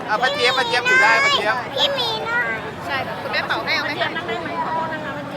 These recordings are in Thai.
ป้าเจี๊ยบอยู่ได้ป้าเจี๊ยบพี่มีหน่อยใช่ค่ะคุณแม่เป่าให้เอาไหมคะนั่งได้ไหมขอโทษนะคะเมื่อกี้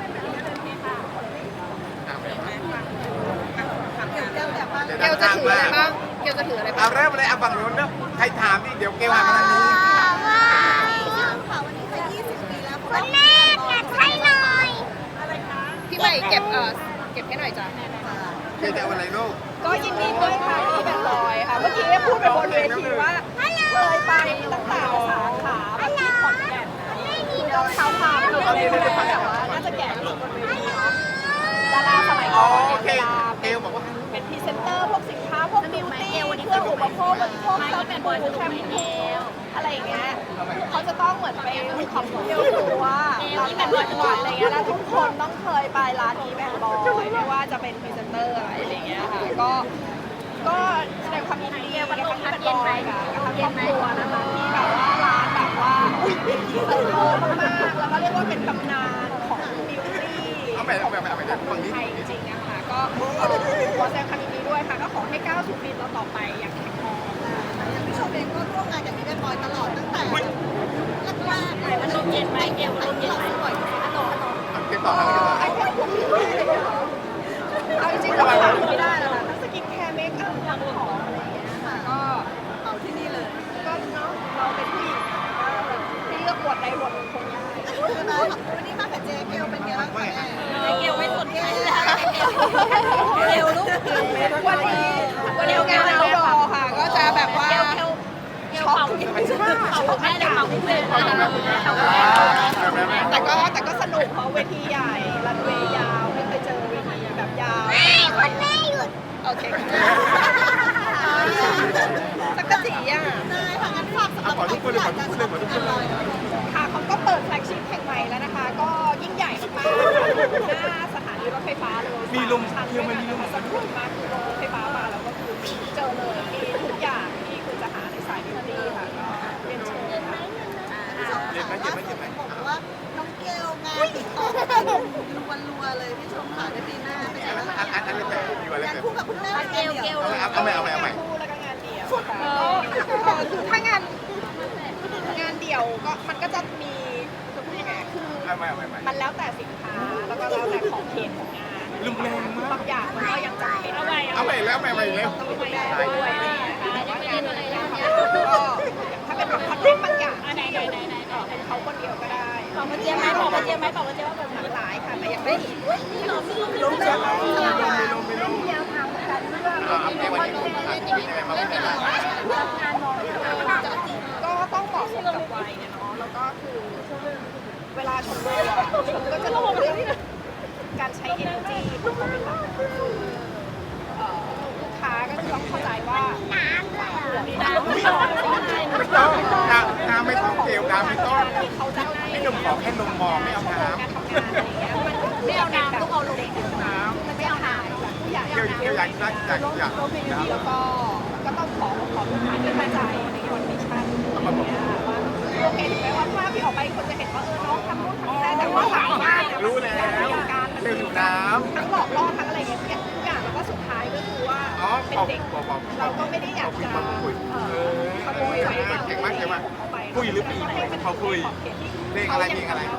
เกลจะถืออะไรบ้างเกลจะถืออะไรบ้าเอางเริ่มเลยเอาฝั่งนู้นเนอะใครถามนี่เดี๋ยวเกลหันมาทางนี้ว้าวค่ะวันนี้จะ20 ปีแล้วคุณแม่เก็บให้หน่อยอะไรคะพี่ใหม่เก็บให้หน่อยจ้ะเกลจะเอาอะไรลูกก็ยินดีด้วยค่ะที่เป็นรอยค่ะ เมื่อกี้พูดไปบนเวทีว่าเคยไปตั้งแต่สาขาแบบที่ขอนแก่นคือเราเท้าความคืออะไรก็ได้แต่ว่าน่าจะแก่ที่สุดบนเวทีเนาะดาราสมัยก่อนโอเนี่ยเคเวลาเกลบอกว่าเป็นพรีเซนเตอร์พวกสินค้าพวกบิวตี้เครื่องอุปโภคบริโภคเซาเป็นบอยแชมพูอะไรอย่างเงี้ยเขาจะต้องเหมือนไปขอบคุณเดียวคือว่าเราแต่งจังหวัดอะไรเงี้ยแล้วทุกคนต้องเคยไปร้านนี้แบบบอยไม่ว่าจะเป็นพรีเซนเตอร์อะไรอย่างเงี้ยค่ะก็แสดงความยินดีกับทั้งที่เป็นบอยกับทั้งครอบครัวนะคะที่แบบว่าร้านแบบว่าเติบโตมากๆแล้วก็เรียกว่าเป็นตำนานของบิวตี้เอาไปฝั่งนี้ไทยจริงๆนะคะก็ขอแสดงความยินดีด้วยค่ะก็ขอให้ก้าวสู่ปีต่อไปอย่างแข็งแรงอย่างพี่ชมเองก็ร่วมงานกับพี่แม่บอยตลอดตั้งแต่แรกๆเลยมันลมเย็นไหมเกลลมเย็นไหมบ่อยขนมเกลต่อทางนี้ไอ้แค่พวกนี้เลยเหรอเอาจริงๆเราขาดไม่ได้แล้วนะทั้งสกินแคร์เมคอัพทั้งของอะไรอย่างเงี้ยค่ะก็เอาที่นี่เลยก็เนาะเราเป็นผู้หญิงก็ที่เลือกบทใดบทหนึ่งคงยากวันนี้มากับเจเกลเป็นไงบ้างคะแม่เกลไม่สนใจแล้วเกลลูกวันนี้งานเอาดอค่ะก็จะแบบว่าช็อกแม่จะเมาเพื่อนแต่ก็สนุกเพราะเวทีใหญ่รันเวย์ยาวไม่เคยเจอเวทีแบบยาวคุณแม่หยุดโอเคสักกะจีอ่ะได้ค่ะงั้นฝากสำหรับขอทุกคนเลยขอทุกคนเลยขอทุกคนเลยค่ะเขาก็เปิดแฟลกชิพแห่งใหม่แล้วนะคะ ก็ยิ่งใหญ่มากๆหน้าสถานีรถไฟฟ้าเลยมีลมชั้นด้วยนะคะสนุกมากคือรถไฟฟ้ามาแล้วก็คือเจอเลยมีทุกอย่างที่คุณจะหาในสายบิวตี้ค่ะก็เรียนเชิญค่ะเจ็บไหมบอกว่าน้องเกลงานติดต่อกันรัวๆเลยพี่ชมค่ะในปีหน้าเป็นไงบ้างคะอันนี้แบบมีอะไรงานแบบคู่กับคุณแม่เกลเอาใหม่คู่แล้วก็งานเดี่ยวค่ะคือถ้างานเดี่ยวก็มันก็จะมีคือพูดยังไงคือเอาใหม่มันแล้วแต่สินค้าแล้วก็แล้วแต่ของเขตของงานรุนแรงมากบางอย่างมันก็ยังจำเป็นเอาไว้เอาใหม่แล้วต้องดูแลด้วยอะไรอย่างเงี้ยค่ะแต่ว่างานอะไรก็ถ้าเป็นแบบคอนเทนต์บางอย่างที่เป็นเขาคนเดียวก็ได้บอกมาเจี๊ยบไหมว่าเป็นหลากหลายค่ะแต่ยังไม่รู้เลยในวันนี้มีอะไรมาเป็นอะไรก็ต้องเหมาะสมกับวัยเนี่ยเนาะแล้วก็คือเวลาชมโลกชมก็จะรู้เรื่องการใช้ energy เป็นหลักลูกค้าก็จะต้องเข้าใจว่าน้ำเลยน้ำไม่ต้องน้ำไม่ต้องเกลน้ำไม่ต้องที่เขาจะให้พี่หนุ่มขอแค่นมมองไม่เอาน้ำการทำงานอะไรอย่างเงี้ยมันไม่เอาน้ำต้องเอาลงมันไม่เอาน้ำผู้ใหญ่เกลอยากแล้วก็ต้องขอลูกค้าที่เข้าใจในคอนดิชั่นว่าโอเคถึงแม้ว่าภาพที่ออกไปคนจะเห็นว่าน้องทำนู่นทำนี่ได้แต่ว่าหลังบ้านรู้แล้วเกลอยู่น้ำทั้งหลอกล่อทั้งอะไรอย่างเงี้ยทุกอย่างแล้วก็สุดท้ายก็คือว่าเป็นเด็กเราก็ไม่ได้อยากจะขโมยไว้เก่งมากคุยหรือปีเขาคุยเพลงอะไรยังมีความสุข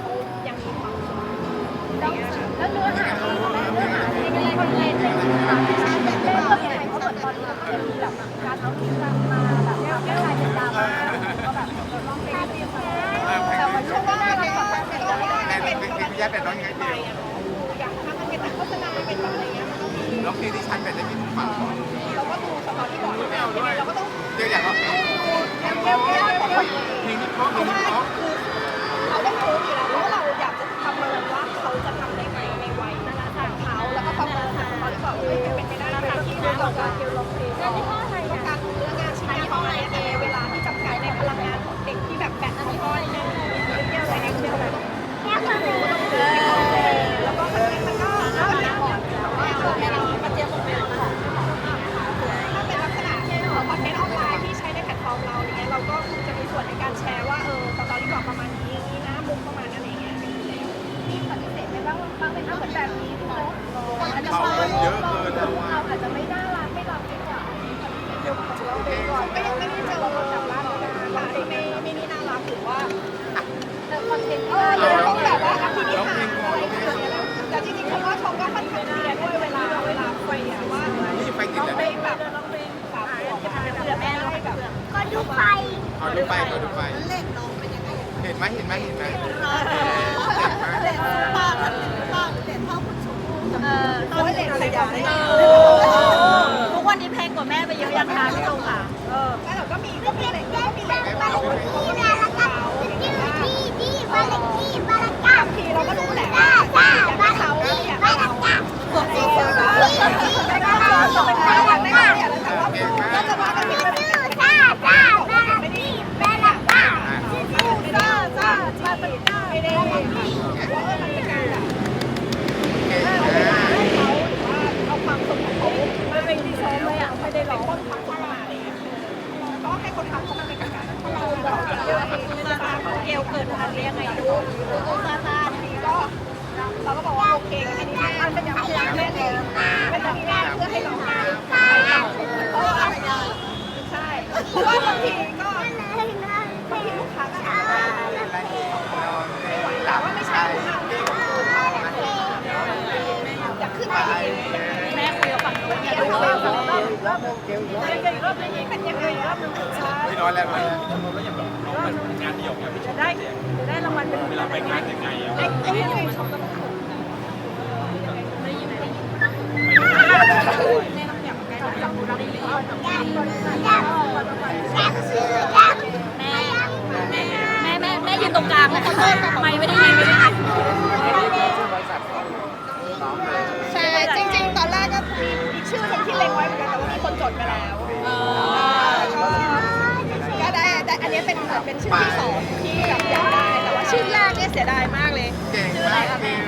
แล้วเนื้อหาคนเล่นเลยเล่นเรื่องยังไงเพราะเหมือนตอนนี้มันก็มีแบบการเอาคลิปมาแบบไม่กลายเป็นดราม่าก็แบบลองเพลงเดียวแต่ว่าช่วงว่าเราแบบเป็นตัวไม่ได้เป็นตัวอย่างถ้ามันเป็นโฆษณาเป็นอะไรเงี้ยมันต้องมีร้องเพลงที่ฉันเป็นได้ยินฟังเราก็ดูสตอรี่บอร์ดเราก็ต้องเกลอยากร้องเพลงเร็วๆบอกว่านี้เพราะเพลงนี้เพราะเราต้องรู้อยู่แล้วว่าเราอยากจะประเมินว่าเขาจะทำได้ไหมในวัยนั้นของเขาแล้วก็ประเมินตอนที่บอกเป็นไปได้ไหมที่เราต้องการเกี่ยวกับเพลงต้องการเรื่องงานชิ้นงานของอะไรเวลาที่จำกัดในพลังงานของเด็กที่แบบแบตมันก็เยอะอะไรเงี้ยแบบแล้วก็มันก็แล้วแต่ก่อนแต่ว่ามันเจียมหมดเลยถ้าเป็นลักษณะคอนเทนต์ออนไลน์ที่ใช้ในแพลตฟอร์มเราเนี่ยเราก็จะมีส่วนในการแชร์ว่าตอนที่บอกประมาณนี้นะมุมประมาณอะไรเงี้ยมีปฏิเสธไหมว่าบางเป็นเหมือนแบบนี้ที่คนอาจจะมองว่าเราอาจจะไม่น่ารักไม่รับดีกว่าเดี๋ยวเราไปก่อนก็ยังไม่ได้เจอกับร้านในดูไฟขอดูไปขอดูไปเล่นน้องเป็นยังไงเห็นไหมเห็นไหมเห็นไหมเล่นป้าเล่นเท่าคุณชมพู่กับโอ้ยเด็กใส่ดอกได้ทุกวันนี้แพงกว่าแม่ไปเยอะยังคะพี่ชมค่ะแล้วเราก็มีก็มีอะไรก็มีอะไรบ้านเลขที่นะแล้วก็ที่บ้านเลขที่บ้านเลขเก้าบางทีเราก็รู้แหละจ้าว่าจ้าบ้านเลเขาขที่อยากบ้านให้เลเราขเก้าที่ไม่ได้แต่ว่าก็จะว่ากันเป็นชื่อจ้าจ้าบ้านเลขที่บ้านเลขเก้าจ้าจ้าจ้าเป็นไม่ได้ว่ามันเป็นการแบบเอาความสุขของเขาไม่เป็นที่ซ้อมเลยอ่ะไม่ได้ร้องคนทำขึ้นมาอะไรอย่างเงี้ยก็ให้คนทำเขามาเป็นกลางๆเราบอกเยอะเกลเกิดทันเรียกไงดูซาซาทีก็เราก็บอกว่าโอเคอันนี้มันเป็นอย่างนี้แม่เลยเป็นอย่างนี้เพื่อให้เราเพราะว่าใช่เพราะว่าบางทีก็บางทีลูกค้าก็อาจจะแต่ว่าไม่ใช่อยากขึ้นไปอีกแม่คุยกับฝั่งนู้นเนี่ยคุยกับฝั่งนู้นรอบนึงเป็นยังไงรอบนึงใช่ไม่ร้อนแล้วมันจะได้รางวัลเป็นเวลาไปงานยังไงอ่ะไอ้ยังไงชมกันแม่ยืนตรงกลางเลยไม่ได้ยินใช่จริงๆตอนแรกก็มีชื่อคนที่เล็งไว้เหมือนกันแต่ว่ามีคนจดไปแล้วก็ได้อันนี้เป็นเป็นชื่อที่สองที่แบบอยากได้แต่ว่าชื่อแรกเนี่ยเสียดายมากเลยเก่งมากเก่ง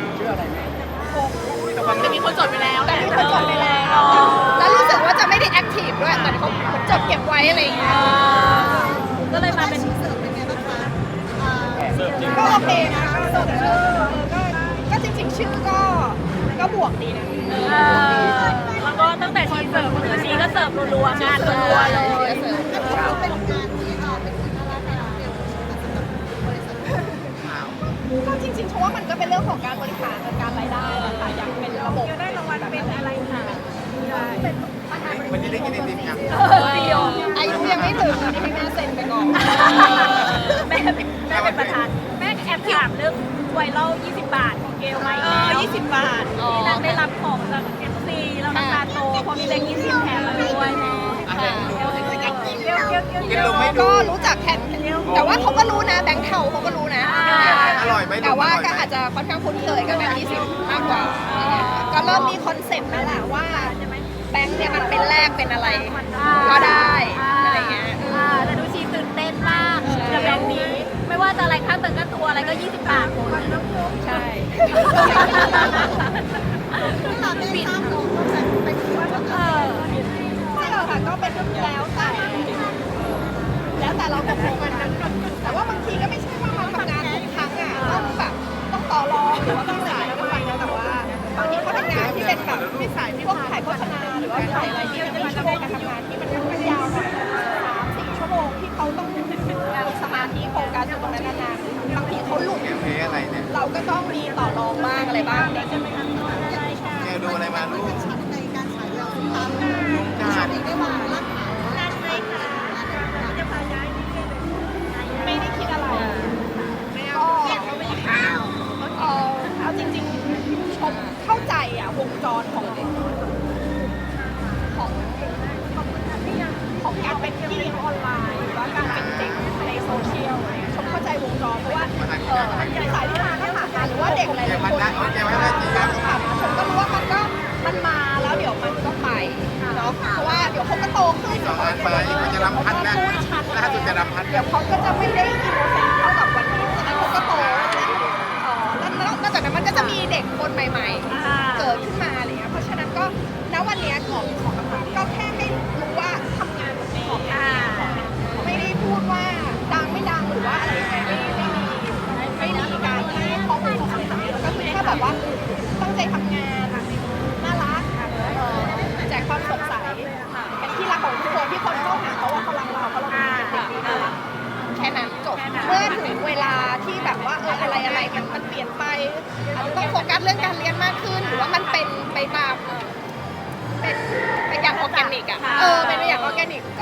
จะมีคนจดไปแล้วแต่มีคนจดไปแล้วแล้วรู้สึกว่าจะไม่ได้แอคทีฟด้วยแต่เขาจดเก็บไว้อะไรอย่างเงี้ยก็เลยมาเป็นเสิร์ฟเป็นไงบ้างคะก็โอเคนะก็จริงๆชื่อก็บวกดีนะแล้วก็ตั้งแต่ทีเสิร์ฟมาถึงทีก็เสิร์ฟรัวๆงานรัวๆเลยเขาเป็นงานที่เป็นคุณน่ารักนะเบลสำหรับบริษัทก็จริงๆเพราะว่ามันก็เป็นเรื่องของการบริหารจัดการรายได้ค่ะอย่างเป็นระบบได้รางวัลเป็นอะไรค่ะวันนี้ได้กินไอติมยังอายุยังไม่ถึงนี่ให้แม่เซ็นไปก่อนแม่เป็นประธานแม่แอบถามเรื่องไวรัล20 บาทของเกลไหม20 บาทที่นางได้รับของจาก FC แล้วน้ำตาโตพอมีแบงค์20แถมมาด้วยแม่กินลงไม่ดูก็รู้จักแค่แต่ว่าเขาก็รู้นะแบงค์เทาเขาก็รู้นะอร่อยไหมแต่ว่าก็อาจจะค่อนข้างคุ้นเคยกับแบงค์20มากกว่าก็เริ่มมีคอนเซ็ปต์แล้วแหละว่าแบงค์เนี่ยมันเป็นแลกเป็นอะไรก็ได้อะไรเงี้ยแต่ดูชีตื่นเต้นมากกับแบงค์นี้ ไม่ว่าจะอะไรค่าเติมค่าตัวอะไรก็20 บาทหมดใช่เราได้ทราบน้องจากเป็นคนก็คือไม่หรอกค่ะก็เป็นแล้วแต่เราตกลงกันนะแต่ว่าบางทีก็ไม่ใช่ว่ามาทำงานทุกครั้งอ่ะต้องแบบต้องต่อรองหรือว่าต้องสายแล้วก็ไปนะแต่ว่าบางทีเขาเป็นงานที่เป็นแบบพวกถ่ายโฆษณาหรือว่าถ่ายอะไรที่มันจะมีชั่วโมงการทำงานที่มันค่อนข้างยาวหน่อย3-4 ชั่วโมงที่เขาต้องมีสมาธิโฟกัสอยู่ตรงนั้นนานๆบางทีเขาหลุดแกมเพอะไรเนี่ยเราก็ต้องมีต่อรองบ้างอะไรบ้างเนี่ยแกดูอะไรมาลูกชิ้นในการฉายเราตามลุงจานเองได้ว่ารักไม่ได้คิดอะไรก็เอาจริงๆชมเข้าใจอ่ะวงจรของการเป็นที่ออนไลน์หรือว่าการเป็นเด็กในโซเชียลชมเข้าใจวงจรเพราะว่าสายที่มาถ้าผ่านมาหรือว่าเด็กหลายๆคนผ่านมาชมก็รู้ว่ามันมาแล้วเดี๋ยวมันก็ไปเนาะเพราะว่าเดี๋ยวเขาก็โตขึ้น 2 อันไปมันจะรำพัดนะล่าสุดจะรำพัดเดี๋ยวเขาก็จะไม่ได้อินโนเซนต์เท่ากับวันนี้ฉะนั้นเขาก็โตแล้วนอกจากนั้นมันก็จะมีเด็กคนใหม่ๆเกิดขึ้นมาอะไรเงี้ยเพราะฉะนั้นก็ณวันนี้ก็แค่ให้รู้ว่าทำงานของไม่ได้พูดว่าดังไม่ดังหรือว่าอะไรยังไงไม่มีการให้ข้อมูลของคำถามแล้วก็คือแค่แบบว่าตั้งใจทำงานน่ารักแจกความสดใสเป็นที่รักของทุกคนที่คนเข้าหาเพราะว่าเขารักเราเขารักเป็นเด็กที่น่ารักแค่นั้นจบเมื่อถึงเวลาที่แบบว่าอะไรมันเปลี่ยนไปอาจจะต้องโฟกัสเรื่องการเรียนมากขึ้นหรือว่ามันเป็นไปตามเป็นอย่างออร์แกนิกอ่ะเป็นอย่างออร์แกนิกก็ชมก็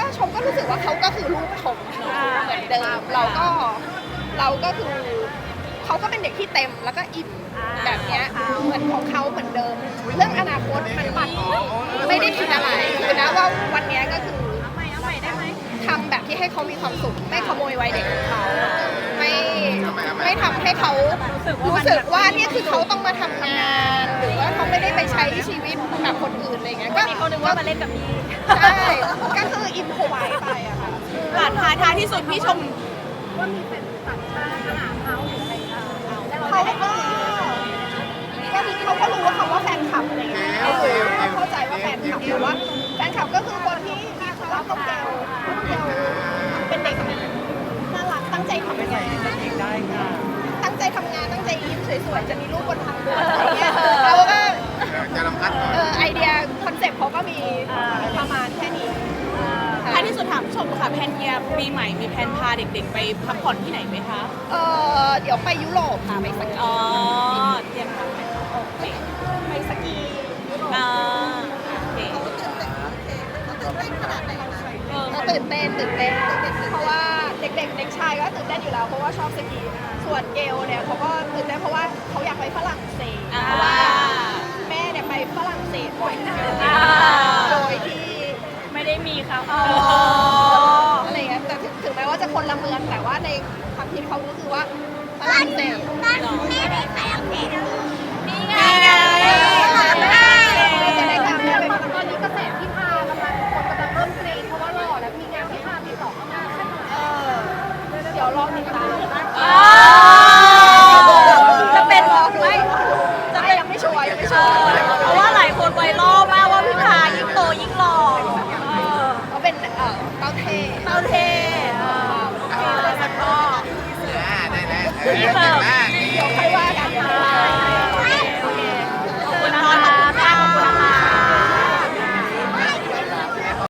รู้สึกว่าเขาก็คือลูกผมเหมือนเดิมเราก็คือเขาก็เป็นเด็กที่เต็มแล้วก็อิ่มแบบเนี้ยเหมือนของเขาเหมือนเดิม เรื่องอนาคตมันไม่ได้คิดอะไรคือนะว่าวันเนี้ยก็คือทำแบบที่ให้เขามีความสุขไม่ขโมยวัยเด็กของเขาไม่ทำให้เขารู้สึกว่าเนี่ยคือเขาต้องมาทำงานหรือว่าเขาไม่ได้ไปใช้ชีวิตแบบคนอื่นอะไรเงี้ยก็เขาคิดว่ามาเล่นกับพี่ใช่ก็คืออิมพอไว้ไปอะค่ะหลานท้ายที่สุดพี่ชมว่ามีเป็นต่างชาติมาหาเขาหรืออะไรแล้วเราเขาได้ก็เขาก็รู้ว่าคำว่าแฟนคลับอะไรเงี้ยเขาเข้าใจว่าแฟนคลับหรือว่าแฟนคลับก็คือคนที่มีความรักกับเกลเป็นเด็กน่ารักตั้งใจทำงานตั้งใจทำงานตั้งใจยิ้มสวยๆจะมีรูปบนทางด่วนอะไรเงี้ยเขาก็จะลำพัดหน่อยไอเดียคอนเซ็ปต์เขาก็มีประมาณแค่นี้ท้ายที่สุดถามผู้ชมค่ะแพนเยียปีใหม่มีแพนพาเด็กๆไปพักผ่อนที่ไหนไหมคะเดี๋ยวไปยุโรปค่ะไปสกีอ๋อเตรียมทำไหมโอเคไปสกียุโรปโอเคเขาตื่นเต้นขนาดไหนคะก็ตื่นเต้นเพราะว่าเด็กชายก็ตื่นเต้นอยู่แล้วเพราะว่าชอบสกีส่วนเกลเนี่ยเขาก็ตื่นเต้นเพราะว่าเขาอยากไปฝรั่งเศสเพราะว่าแม่เนี่ยไปฝรั่งเศสบ่อยโดยที่ไม่ได้มีเขาอะไรเงี้ยแต่ถึงแม้ว่าจะคนละเมืองแต่ว่าในความคิดเขาก็คือว่าฝรั่งเศสไม่ได้ไปอังกฤษนี่ไงจะได้ตามแม่ไปฝรั่งตอนนี้กระแสที่พากำลังคนกำลังเริ่มกรี๊ดเพราะว่าหล่อแล้วมีงานที่พาติดต่อเข้ามาเดี๋ยวรอติดตามจะเป็นไม่ยังไม่ชัวร์เพราะว่าหลายคนไวรัลมากว่าพี่พายิ่งโตยิ่งหล่อเขาเป็นเต้าเท่เต้าเท่ได้เก่งมาก